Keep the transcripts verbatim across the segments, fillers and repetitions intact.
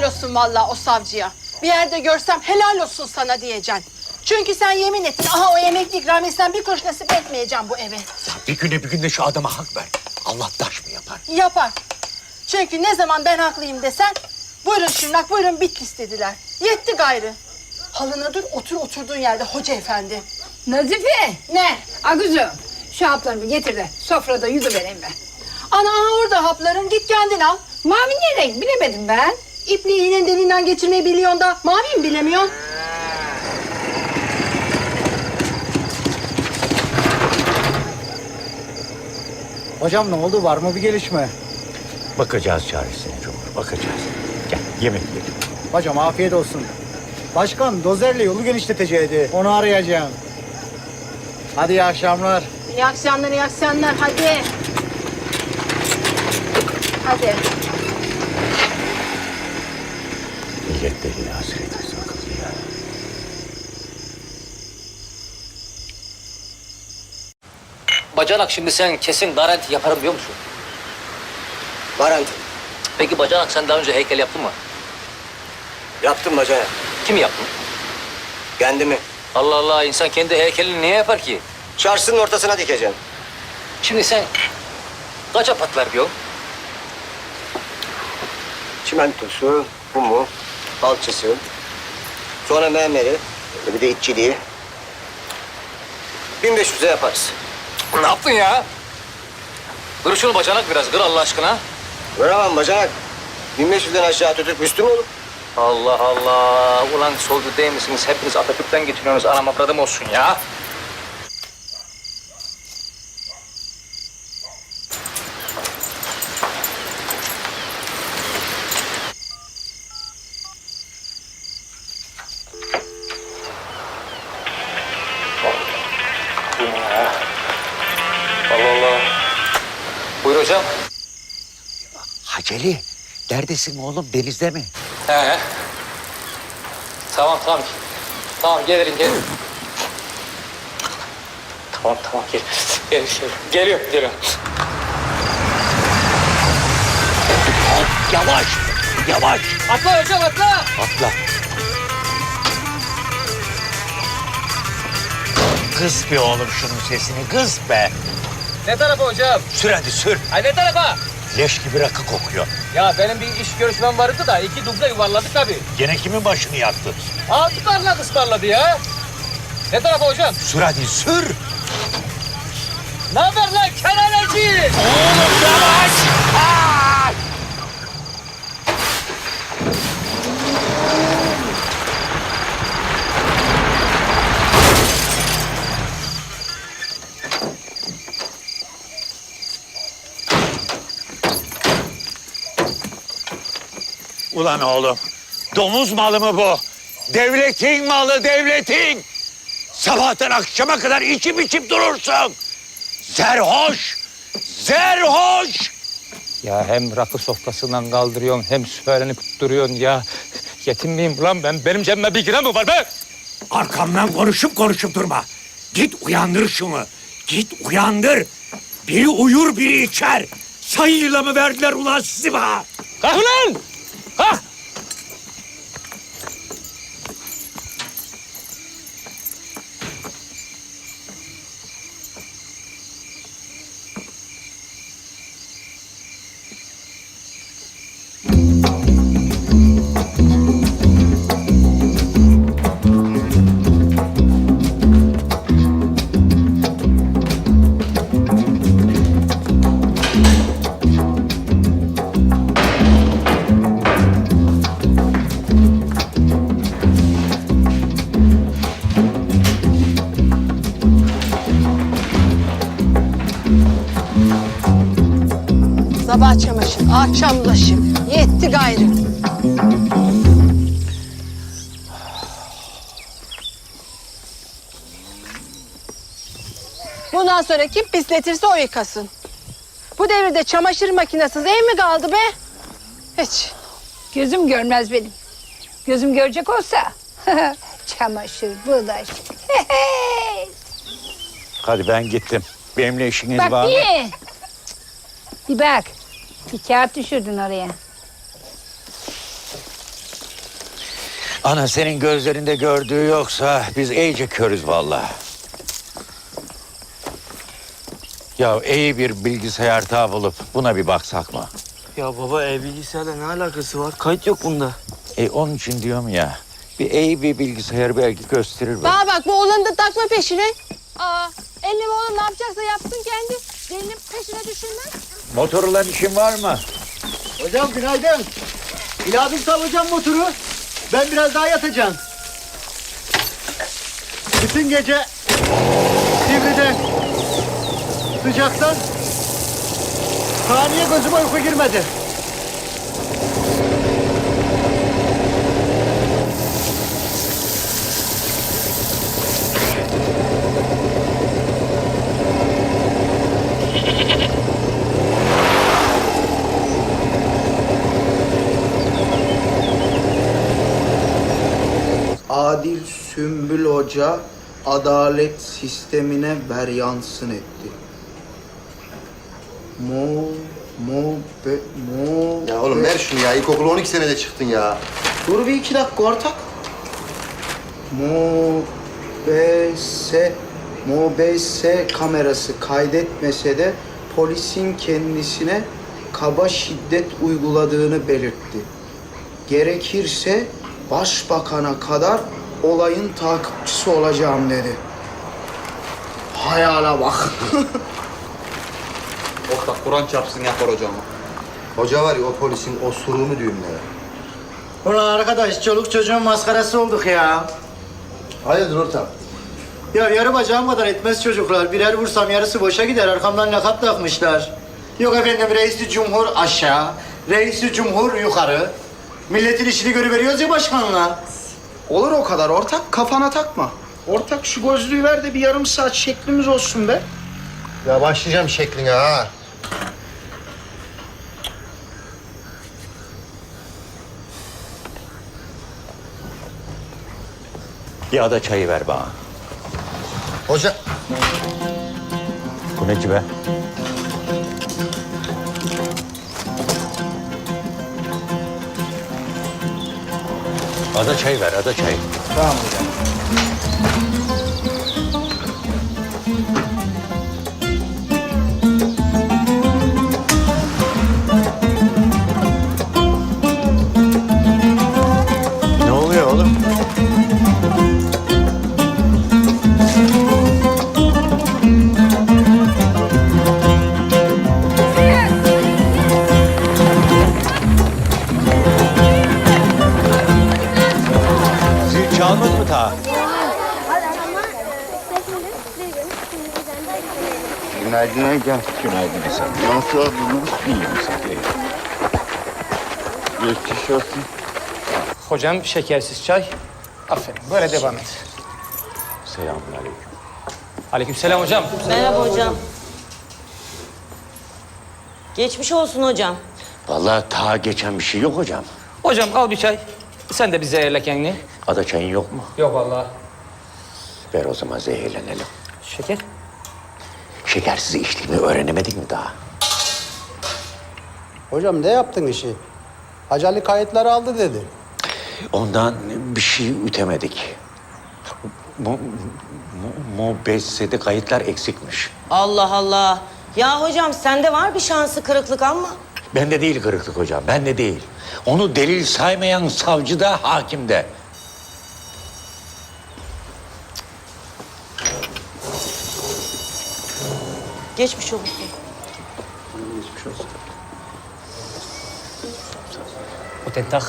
olsun vallahi o savcıya. Bir yerde görsem helal olsun sana diyeceksin. Çünkü sen yemin ettin, aha o emekli ikramiyesinden bir kuruş nasip etmeyeceğim bu eve. Ya bir güne bir günde şu adama hak ver. Allah taş mı yapar? Yapar. Çünkü ne zaman ben haklıyım desen, buyurun Şırnak, buyurun Bitlis dediler. Yetti gayrı. Halına dur, otur oturduğun yerde hoca efendi. Nazife! Ne? Aguzum, şu haplarımı getir de sofrada yüzüvereyim ben. Ana aha orada hapların, git kendin al. Mavi ne renk bilemedim ben. İpliği iğnenin deliğinden geçirmeyi biliyorsun da mavi mi bilemiyorsun? Hocam ne oldu? Var mı bir gelişme? Bakacağız çaresine Cumhur, bakacağız. Gel yemek yiyelim. Hocam afiyet olsun. Başkan dozerle yolu genişleteceğiydi. Onu arayacağım. Hadi iyi akşamlar. İyi akşamlar, iyi akşamlar. Hadi. Hadi. Millet deli hasreti sakıldı ya. Bacanak şimdi sen kesin garanti yaparım diyor musun? Garanti. Peki Bacanak sen daha önce heykel yaptın mı? Yaptım bacanak. Kim yaptın? Kendimi. Allah Allah, insan kendi heykelini niye yapar ki? Çarşının ortasına dikeceğim. Şimdi sen kaça patlar diyorsun? Çimentosu, kumu, alçısı, sonra mermeri, bir de itçiliği. bin beş yüze yaparız. Ne yaptın ya? Kır şunu Bacanak biraz, kır Allah aşkına. Vuramam bacanak. bin beş yüzden aşağı tutup üstü mü olur? Allah Allah, ulan solcu değil misiniz? Hepiniz Atatürk'ten getiriyorsunuz, anam avradım olsun ya. Allah Allah. Buyur hocam. Haceli, neredesin oğlum, denizde mi? He. Tamam tamam. Tamam gelirim gelirim. Tamam tamam gel. Gel şöyle. Geliyor geliyor. Yavaş, yavaş. Atla hocam atla. Atla. Kız be oğlum şunun sesini, kız be. Ne tarafa hocam? Sür hadi sür. Ay ne tarafa? Leş gibi rakı kokuyor. Ya benim bir iş görüşmem vardı da iki duble yuvarladık tabii. Gene kimin başını yaktı? Altı parlak ısmarladı ya. Ne tarafa hocam? Sür hadi sür. Ne haber lan kenaneci? Oğlum yavaş. Aa! Ulan oğlum, domuz malı mı bu? Devletin malı, devletin! Sabahtan akşama kadar içip içip durursun! Zerhoş! Zerhoş! Ya hem rakı sofrasından kaldırıyorsun hem söylenip duruyorsun ya. Yetim miyim ulan ben? Benim cebime bir lira mı var be? Arkamdan konuşup konuşup durma. Git uyandır şunu. Git uyandır. Biri uyur, biri içer. Sayıyla mı verdiler ulan sizi bana? Kalk ulan! Kalk! Sabah çamaşır, akşam bulaşık. Yetti gayrı. Bundan sonra kim pisletirse o yıkasın. Bu devirde çamaşır makinesiz ev mi kaldı be? Hiç. Gözüm görmez benim. Gözüm görecek olsa çamaşır, bulaşık. Hadi ben gittim. Benimle işiniz Bak var mı? bir. Bir bak. Bir kağıt düşürdün oraya. Ana senin gözlerinde gördüğü yoksa biz iyice körüz vallahi. Ya iyi bir bilgisayar tağı bulup buna bir baksak mı? Ya baba ev bilgisayarla ne alakası var? Kayıt yok bunda. E onun için diyorum ya. Bir iyi bir bilgisayar belki gösterir. Bana bak bu oğlanı da takma peşine. Aa, elli oğlan ne yapacaksa yapsın kendi. Delinin peşine düşürmez. Motorla işin var mı? Hocam günaydın. İlahi sallayacağım motoru. Ben biraz daha yatacağım. Bütün gece Sivri'de sıcaktan saniye gözüme uyku girmedi. Adil Sümbül Hoca adalet sistemine veryansın etti. Mo, mo, be, mo... Ya oğlum ver şunu ya. İlkokula on iki senede çıktın ya. Dur bir iki dakika ortak. Mo, be, se, mo, be, se kamerası kaydetmese de polisin kendisine kaba şiddet uyguladığını belirtti. Gerekirse başbakana kadar olayın takipçisi olacağım dedi. Hayala bak. Ortak Kur'an çarpsın yapar hocam. Hoca var ya o polisin osuruğunu düğümlere. Ulan arkadaş çoluk çocuğun maskarası olduk ya. Hayırdır ortak? Ya yarı bacağım kadar etmez çocuklar. Birer vursam yarısı boşa gider. Arkamdan lakap takmışlar. Yok efendim reis-i cumhur aşağı, reis-i cumhur yukarı. Milletin işini görüveriyoruz ya başkanla. Olur o kadar ortak, kafana takma. Ortak şu gözlüğü ver de bir yarım saat şeklimiz olsun be. Ya başlayacağım şekline ha. Bir ada çayı ver bana. Hoca... Bu ne ki be? Ada çayı ver, ada çayı. Tamam hocam. Ne oluyor oğlum? Zil çalmadı mı ta? Günaydın Ege. Günaydın Hasan. Nasıl oldunuz? İyiyim sen de. Geçmiş olsun. Hocam şekersiz çay. Aferin. Böyle devam et. Selamünaleyküm. Aleykümselam hocam. Merhaba hocam. Geçmiş olsun hocam. Vallahi ta geçen bir şey yok hocam. Hocam al bir çay. Sen de bir zehirle kendini. Ada çayın yok mu? Yok vallahi. Ver o zaman zehirlenelim. Şeker. Şekersiz içtiğimi öğrenemedik mi daha? Hocam ne yaptın işi? Hacı Ali kayıtları aldı dedi. Ondan bir şey ütemedik. Mu, mu, Mubessede kayıtlar eksikmiş. Allah Allah. Ya hocam sende var bir şansı kırıklık ama. Bende değil kırıklık hocam, bende değil. Onu delil saymayan savcı da, hakim de. Geçmiş olsun. Geçmiş olsun. O tentak.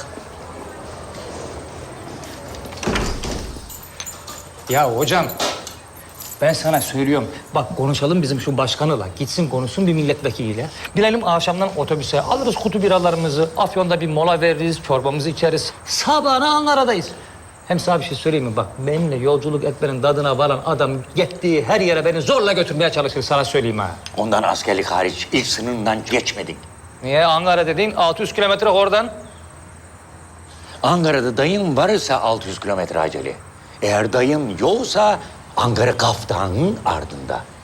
Ya hocam, ben sana söylüyorum. Bak konuşalım bizim şu başkanıyla. Gitsin konuşsun bir milletvekiliyle. Bilelim akşamdan otobüse alırız kutu biralarımızı. Afyon'da bir mola veririz, çorbamızı içeriz. Sabahına Ankara'dayız. Hem sana bir şey söyleyeyim mi? Bak benimle yolculuk etmenin tadına varan adam gittiği her yere beni zorla götürmeye çalışır. Sana söyleyeyim ha. Ondan askerlik hariç ilk sınırından geçmedik. Niye? Ankara dediğin altı yüz kilometre oradan. Ankara'da dayın varsa altı yüz kilometre acele. Eğer dayın yoksa Ankara Kaftan'ın ardında.